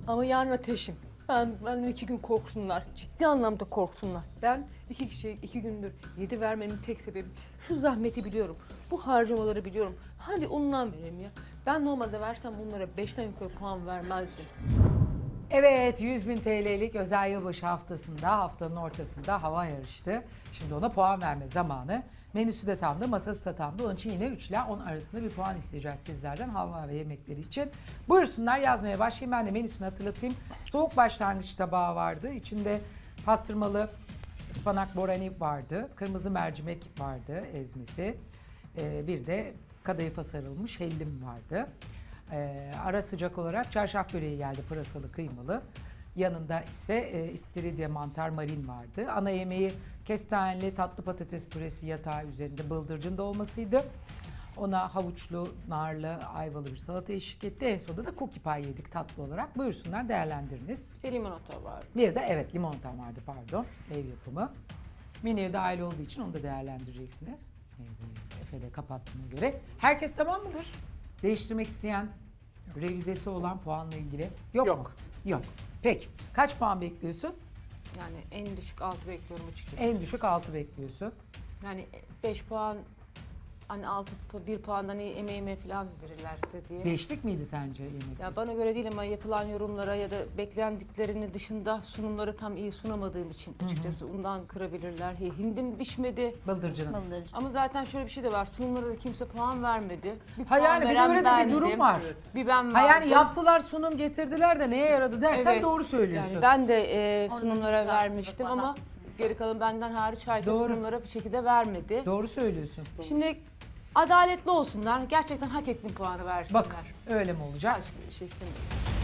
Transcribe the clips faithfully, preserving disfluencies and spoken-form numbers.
Ama yarın ateşim. Ben, benden iki gün korksunlar. Ciddi anlamda korksunlar. Ben iki kişiye iki gündür yedi vermenin tek sebebi şu zahmeti biliyorum. Bu harcamaları biliyorum. Hadi ondan vereyim ya. Ben normalde versem bunlara beşten yukarı puan vermezdim. Evet, yüz bin T L'lik özel yılbaşı haftasında, haftanın ortasında hava yarıştı. Şimdi ona puan verme zamanı. Menüsü de tamdı, masası da tamdı. Onun için yine üç ile on arasında bir puan isteyeceğiz sizlerden hava ve yemekleri için. Buyursunlar, yazmaya başlayayım. Ben de menüsünü hatırlatayım. Soğuk başlangıç tabağı vardı. İçinde pastırmalı ıspanak borani vardı. Kırmızı mercimek vardı, ezmesi. Ee, bir de kadayıfa sarılmış hellim vardı. Ee, ara sıcak olarak çarşaf böreği geldi, pırasalı kıymalı. Yanında ise e, istiridye mantar marin vardı. Ana yemeği kestaneli tatlı patates püresi yatağı üzerinde bıldırcın dolmasıydı. Ona havuçlu, narlı, ayvalı bir salata eşlik etti. En sonunda da cookie pie yedik tatlı olarak. Buyursunlar, değerlendiriniz. Bir limonata var. Bir de evet limonatam vardı, pardon, ev yapımı. Menüye dahil olduğu için onu da değerlendireceksiniz. Evet, Efe de kapattığına göre. Herkes tamam mıdır? Değiştirmek isteyen, revizesi olan puanla ilgili yok, Yok. mu? Yok. Peki. Kaç puan bekliyorsun? Yani en düşük altı bekliyorum açıkçası. En düşük altı bekliyorsun. Yani beş puan, hani altı, bir puandan hani emeğime falan verirlerse diye. Beşlik miydi sence yemek? Ya bana göre değil ama yapılan yorumlara ya da beklendiklerinin dışında sunumları tam iyi sunamadığım için açıkçası ondan kırabilirler. Hi- Hindim pişmedi. Bıldırcının. Bıldır. Ama zaten şöyle bir şey de var. Sunumlara da kimse puan vermedi. Bir Ha puan yani bir de veren öyle de bir bendim. durum var. Bir ben Ha yani verdim. yaptılar, sunum getirdiler de neye yaradı dersen Evet. doğru söylüyorsun. Yani ben de e, Orada sunumlara bir rahatsızlık vermiştim var, ama haklısınız. geri kalan benden hariç herkes Doğru. sunumlara bir şekilde vermedi. Doğru söylüyorsun. Şimdi adaletli olsunlar. Gerçekten hak ettiğim puanı versinler. Bak öyle mi olacak? Başka bir şey istemiyorum.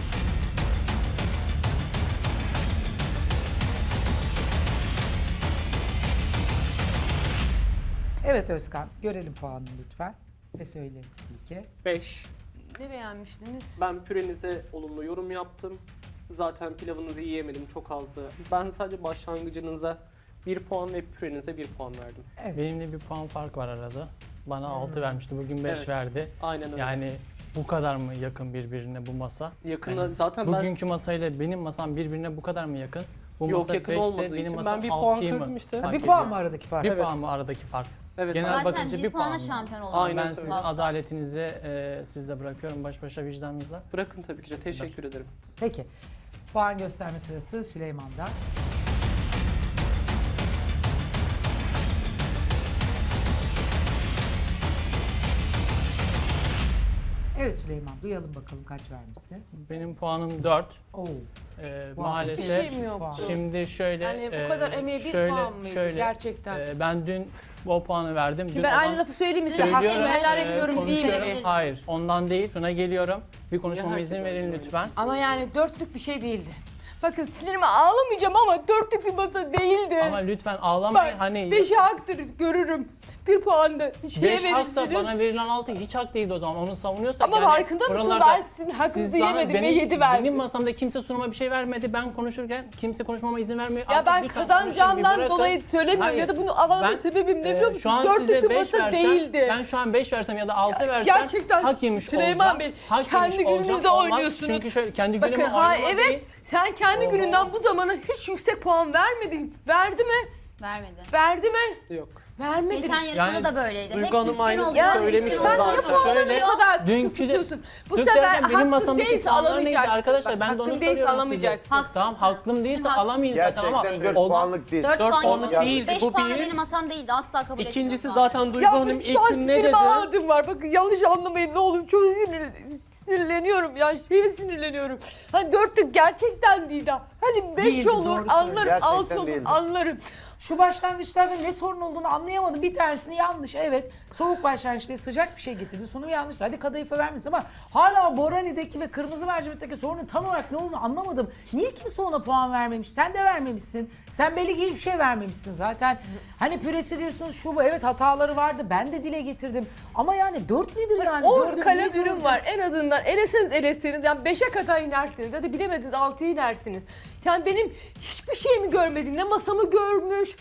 Evet Özkan, görelim puanını lütfen. Ve söyle tabii ki. beş. Ne beğenmiştiniz? Ben pürenize olumlu yorum yaptım. Zaten pilavınızı yiyemedim, çok azdı. Ben sadece başlangıcınıza bir puan ve pürenize bir puan verdim. Evet. Benimle bir puan fark var arada. Bana altı vermişti, bugün beş Evet. verdi. Aynen öyle. Yani bu kadar mı yakın birbirine bu masa? Yakında Yani zaten ben... bugünkü masayla benim masam birbirine bu kadar mı yakın? Bu Yok, masa yakın beşse olmadığı benim için masam ben bir puan altıyı mı kırdım işte. fark bir ediyor? puan mı aradaki fark? Bir Evet. puan mı aradaki fark? Evet, Genel aynen. Zaten bakınca bir bir puana puan mı? şampiyon oldu. Aynen Ben öyle. sizin adaletinizi e, sizde bırakıyorum baş başa vicdanınızla. Bırakın tabii ki de, teşekkür ederim. Peki. Puan gösterme sırası Süleyman'da. Evet Süleyman, duyalım bakalım kaç vermişsin. Benim puanım dört. Oo. E, Bu maalesef Bir şey mi yoktu? şimdi şöyle Yani bu e, kadar emeğe bir şöyle, puan mıydı şöyle, gerçekten? e, ben dün o puanı verdim. Şimdi Dün ben olan- aynı lafı söyleyeyim mi size? Söylüyorum, Hakkımı helal e, etmiyorum değil konuşuyorum. mi? Hayır, ondan değil. Şuna geliyorum. Bir konuşmama herkes izin verin aynı lütfen. Ama yani dörtlük bir şey değildi. Bakın sinirime ağlamayacağım ama dörtlük bir masa değildi. Ama lütfen ağlamayın. Bak, Hani beşi haktır görürüm. Bir puan da şeye beş haksa verirsiniz. bana verilen altı hiç hak değildi o zaman. Onu savunuyorsak Ama yani farkında mısın? buralarda Ben sizin hakkınızı siz bana- yemedim ve benim- yedi verdim. Benim masamda kimse sunuma bir şey vermedi. Ben konuşurken kimse konuşmama izin vermiyor. Ya Artık ben lütfen konuşun, bir kazanacağımdan bırakın. dolayı söylemiyorum Hayır. ya da bunu ağlama Ben, sebebim ne e, biliyor musun? Şu an Dörtlük size bir beş masa versem, değildi. ben şu an beş versem ya da altı versem Gerçekten hak yemiş Süleyman olacağım. Bey, Hak kendi yemiş olacağım. gününüzde Olmaz. oynuyorsunuz. Çünkü şöyle kendi Bakın günümü ha oynama evet değil. sen kendi Oho. gününden bu zamana hiç yüksek puan vermedin. Verdi mi? Vermedi. Verdi mi? Yok. Vermedi. Geçen yarışmada Yani da böyleydi. Duygu Hep Hanım ilk gün aynısını oluyor, ilk gün söylemişti oluyor. Sen niye zaten. puanı Şöyle, ne kadar dünkü de- tutuyorsun? Bu Sık sefer derken benim hakkın masamdaki değilse puanlar neydi alamayacaksın. arkadaşlar? Bak, Ben de hakkın onu değilse soruyorum alamayacaksın. size. Haksızsınız. Tamam haklım değilse Haksızsınız. alamayın zaten ama Gerçekten dört olmam- puanlık değil. dört Dört puanlık puanlık değil. değildi, beş bu puan da bir. benim masam değildi. Asla kabul etmiyorum. İkincisi puan zaten vermeyi. Duygu Ya Hanım benim şu ilk an gün ne sinirime dedi? ağladım var. Bakın yanlış anlamayın ne olur. Çok sinir, sinirleniyorum ya. Şeye sinirleniyorum. Hani dörtlük gerçekten değil ha. Hani beş Değildi, olur doğru anlarım. Gerçekten Altı olur değildi. anlarım. Şu başlangıçlarda ne sorun olduğunu anlayamadım. Bir tanesini yanlış. Evet. Soğuk başlangıçta sıcak bir şey getirdi. Sunumu yanlış. Hadi kadayıfa vermesin ama hala Borani'deki ve kırmızı mercimekteki sorunun tam olarak ne olduğunu anlamadım. Niye kimse ona puan vermemiş? Sen de vermemişsin. Sen belli ki hiçbir şey vermemişsin zaten. Hani püresi diyorsunuz şu bu. Evet hataları vardı. Ben de dile getirdim. Ama yani dört nedir yani? on Dördü kalem niye ürün gördün? var. En azından eleseniz eleseniz yani beşe kadar inersiniz. Hadi bilemediniz altıya inersiniz. Yani benim hiçbir şeyimi görmedin. Ne masamı görmüş,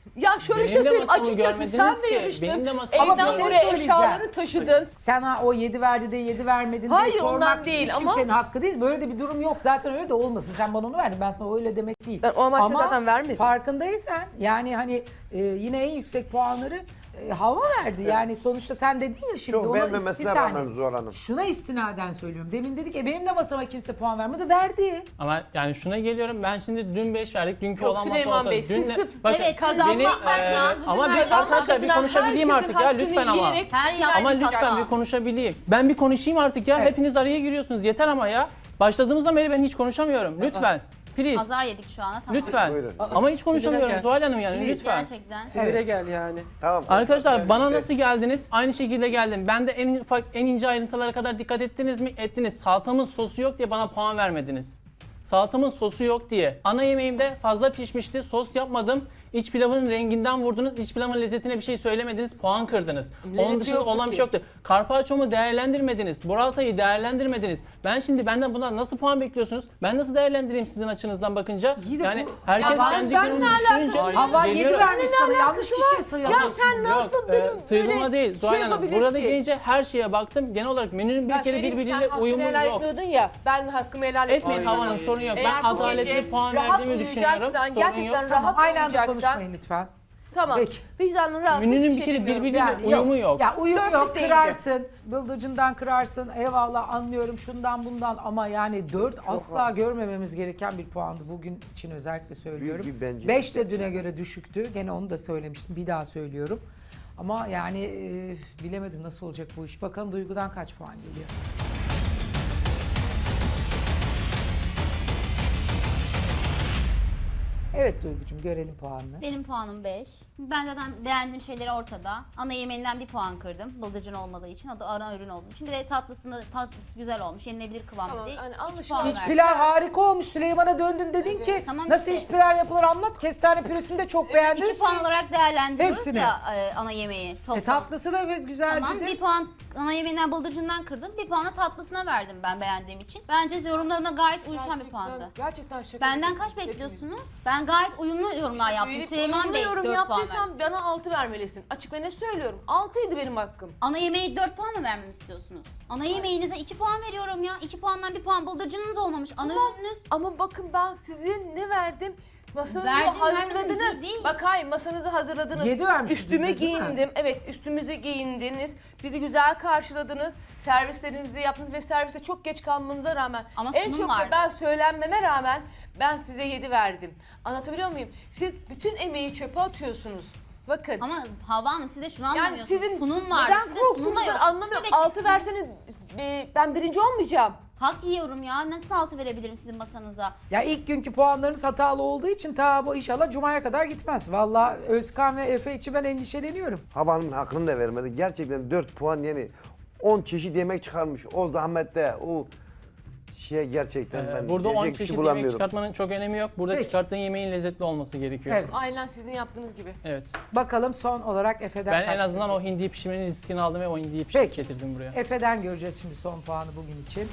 Ya şöyle bir Benim şey de söyleyeyim. masamı Açıkçası sen görmediniz de ki. yarıştın. Benim de masamı Ama bir Evden şey buraya söyleyeceğim. eşyalarını taşıdın. Sana o yedi verdi de yedi vermedin Hayır, diye ondan sormak değil hiç ama- kimsenin hakkı değil. Böyle de bir durum yok. Zaten öyle de olmasın. Sen bana onu verdin. Ben sana öyle demek değil. Ben o amaçla Ama zaten vermedim. farkındaysan yani hani e, yine en yüksek puanları e, hava verdi. Yani sonuçta sen dedin ya şimdi. Çok ona beğenmemesine ist- bir saniye. rağmen Zuhal Hanım. Şuna istinaden söylüyorum. Demin dedik ya benim de masama kimse puan vermedi. Verdi. Ama yani şuna geliyorum, ben şimdi dün beş verdik, dünkü Yok, olan masa Süleyman ortada. Bey, siz Dünle- sırf- Bakın, Evet, kazanmak beni, varsanız e, bugün ama bir kazanmak arkadaşlar bir adına konuşabileyim herkesin artık ya hakkını lütfen ama. yiyerek Her yer Ama bir lütfen hata. bir konuşabileyim. Ben bir konuşayım artık ya. Evet. Hepiniz araya giriyorsunuz. Yeter ama ya. Başladığımızdan beri ben hiç konuşamıyorum. Lütfen. Please. Azar yedik şu anda tamam. Lütfen. Buyurun. Ama hiç konuşamıyorum gel. Zuhal Hanım yani Please. lütfen. Gerçekten. Sinire gel yani. Tamam. Arkadaşlar bana nasıl geldiniz? Aynı şekilde geldim. Ben de en ufak, en ince ayrıntılara kadar dikkat ettiniz mi? Ettiniz. Salatamın sosu yok diye bana puan vermediniz. Salatamın sosu yok diye. Ana yemeğimde fazla pişmişti. Sos yapmadım. İç pilavın renginden vurdunuz. İç pilavın lezzetine bir şey söylemediniz. Puan kırdınız. Onun Lezzeti dışında yoktu olan bir ki. şey yoktu. Karpaccio'mu değerlendirmediniz. Burrata'yı değerlendirmediniz. Ben şimdi benden bundan nasıl puan bekliyorsunuz? Ben nasıl değerlendireyim sizin açınızdan bakınca? İyi de yani bu- herkes Ya kendi sen gününü ne düşününce Hava yedi geliyorum. vermiş sana. Yanlış kişiye sayıyor. Ya sen nasıl Yok, benim e, sıyrılma böyle değil Zuhal şey Hanım. yapabilirsin Burada ki? gelince her şeye baktım. Genel olarak menünün bir Ya kere Selim, birbiriyle sen hakkını uyumu helal yok. etmiyordun ya. Ben hakkımı helal Etmeyin etmiyorum. Hava Hanım, sorun yok. Eğer Ben bu adaletli gece puan rahat verdiğimi düşünüyorum. uyuyacaksan, Sorun yok. gerçekten Tamam, rahat aynı anda uyuyacaksan. konuşmayın lütfen. Tamam. Peki. Vicdanın rahat. Menünün hiçbir bir şey kere demiyorum. birbiriyle Yani uyumu yok. Ya uyum Dörtlük yok, değildi. kırarsın, bıldırcından kırarsın, eyvallah anlıyorum şundan bundan ama yani dört asla görmememiz gereken bir puandı bugün için özellikle söylüyorum. Büyük bir bence. beş de düne göre düşüktü, gene onu da söylemiştim, bir daha söylüyorum. Ama yani e, bilemedim nasıl olacak bu iş. Bakalım Duygu'dan kaç puan geliyor? Evet Duygu'cum görelim puanını. Benim puanım beş. Ben zaten beğendiğim şeyleri ortada. Ana yemeğinden bir puan kırdım. Bıldırcın olmadığı için. O da ana ürün olduğu için. Bir de tatlısında tatlısı güzel olmuş. Yenilebilir kıvamda Tamam, değil. hani İki anlaşılan- puan İç verdim. pilav harika olmuş. Süleyman'a döndün dedin ki Tamam nasıl işte. iç pilav yapılır anlat. Kestane püresini de çok beğendin. İki puan olarak değerlendiriyoruz Hepsini. ya e, ana yemeği toplam. E, tatlısı da evet güzel Tamam dedi. bir puan ana yemeğinden bıldırcından kırdım. Bir puan da tatlısına verdim ben beğendiğim için. Bence yorumlarına gayet uyuşan bir puandı. Gerçekten şaka. Benden kaç bekliyorsunuz? Ben gayet uyumlu yorumlar yaptım. Söyleyip Süleyman Bey yorum dört puan verdi. yaptıysam bana altı vermelisin. Açık ve ne söylüyorum? altıydı benim hakkım. Ana yemeği dört puan mı vermemi istiyorsunuz? Ana yemeğinize iki puan veriyorum ya. iki puandan bir puan bıldırcınınız olmamış. Ana Tamam. ürününüz. Ama bakın ben size ne verdim? Masanızı Verdim, hazırladınız. vermedim değil. Bak hayır masanızı hazırladınız. Yedi vermişiz Üstüme biz de, değil mi? giyindim. Evet üstümüze giyindiniz. Bizi güzel karşıladınız. Servislerinizi yaptınız ve serviste çok geç kalmanıza rağmen. Ama en sunum çok vardı. da ben söylenmeme rağmen ben size yedi verdim. Anlatabiliyor muyum? Siz bütün emeği çöpe atıyorsunuz. Bakın. Ama Havva Hanım siz de şunu yani anlamıyorsunuz. sizin sunum var. neden Sizde sunum da korktuğunuzu yok. anlamıyorum. Siz de Altı beklediniz. verseniz e, ben birinci olmayacağım. Hak yiyorum ya. Nasıl altı verebilirim sizin masanıza? Ya ilk günkü puanlarınız hatalı olduğu için ta bu inşallah Cuma'ya kadar gitmez. Vallahi Özkan ve Efe için ben endişeleniyorum. Hava Hanım'ın hakkını da vermedi. Gerçekten dört puan yani on çeşit yemek çıkarmış. O zahmette o şeye gerçekten Ee, ben Burada on diyecek bir çeşit şey yemek bulamıyorum. çıkartmanın çok önemi yok. Burada Peki. çıkarttığın yemeğin lezzetli olması gerekiyor. Evet. Aynen sizin yaptığınız gibi. Evet. Bakalım son olarak Efe'den Ben kaç en azından o gelecek? hindiyi pişirmenin riskini aldım ve o hindiyi pişirip Peki. getirdim buraya. Efe'den göreceğiz şimdi son puanı bugün için.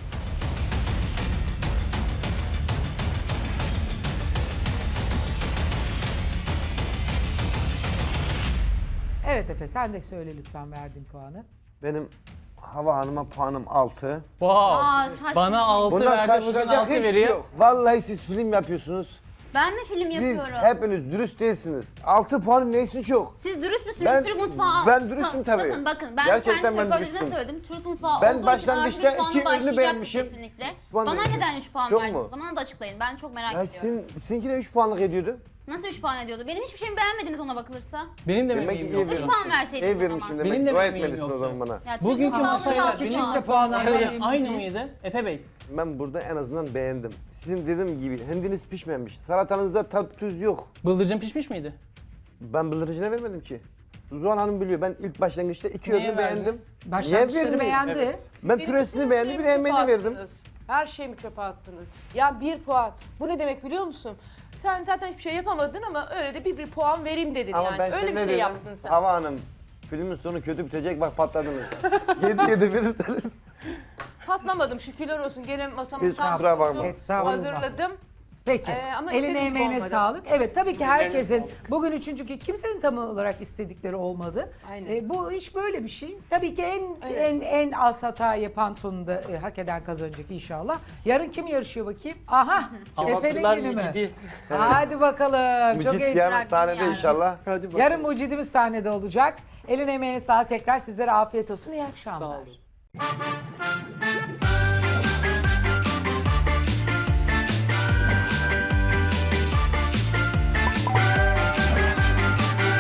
Evet Efe sen de söyle lütfen verdiğin puanı. Benim Hava Hanım'a puanım altı. Wow. Aa, saçma. Bana altı Bundan verdi, bugün şaşıracak altı hiçbir şey veriyor. yok. Vallahi siz film yapıyorsunuz. Ben mi film Siz yapıyorum? hepiniz dürüst değilsiniz. altı puanın neyse çok. Siz dürüst müsünüz? Ben- Türk mutfağı... ben dürüstüm Ta- tabii. Bakın bakın ben Gerçekten kendi ben röportajımda dürüstüm. söyledim. Türk mutfağı Ben olduğu için başlangıçta artı bir puanla iki ürünü başlayacaktım beğenmişim. Kesinlikle. Puan Bana verdim. neden üç puan Çok verdiniz mu? o zaman onu da açıklayın. Ben çok merak Ya ediyorum. sin, sizinkine üç puanlık ediyordu. Nasıl üç puan ediyordu? Benim hiçbir şeyimi beğenmediniz ona bakılırsa. Benim de Demek ki emeğim iyi yok. Üç puan verseydiniz İyi o vermişsin zaman. demek. Benim de Dua emeğim etmelisin o yoktu. zaman bana. Ya Türk Bugünkü mutfağı masayla altı benim puan. kimse puan Aynı, vermedi. aynı mıydı? Efe Bey. Ben burada en azından beğendim. Sizin dediğim gibi hendiniz pişmemiş. Salatanızda tat tuz yok. Bıldırcın pişmiş miydi? Ben bıldırıcına vermedim ki. Zuhal Hanım biliyor. Ben ilk başlangıçta iki Neye ürünü beğendim. verdiniz? Başlangıçları Niye beğendi. vermeyeyim? Ben Benim püresini bütün beğendim, bir de ürünlerimi emeğini çöpe verdim. attınız. Her şeyimi çöpe attınız. Ya bir puan. Bu ne demek biliyor musun? Sen zaten hiçbir şey yapamadın ama öyle de bir bir puan vereyim dedin Ama yani. ben Öyle size bir ne şey dedim? yaptın sen. Hava Hanım, filmin sonu kötü bitecek bak patladınız. yedi yedi verirseniz. Patlamadım şükürler olsun. Gene masamı Biz sağ kusura bakma. tuttum, Estağfurullah. hazırladım. Peki. Ee, ama Eline istediğim gibi emeğine olmadı. sağlık. Evet tabii ki herkesin sağlık. bugün üçüncü gün kimsenin tam olarak istedikleri olmadı. Aynen. Ee, bu iş böyle bir şey. Tabii ki en Evet. en en az hata yapan sonunda e, hak eden kazanacak inşallah. Yarın kim yarışıyor bakayım? Aha. Efe'nin Kebapçılar günü mü? Mücidi. Hadi bakalım. Çok Mücit heyecan. yarın Bıraktım sahnede yani. inşallah. Hadi bakalım. Yarın mucidimiz sahnede olacak. Eline emeğine sağlık. Tekrar sizlere afiyet olsun. İyi akşamlar. Sağ olun.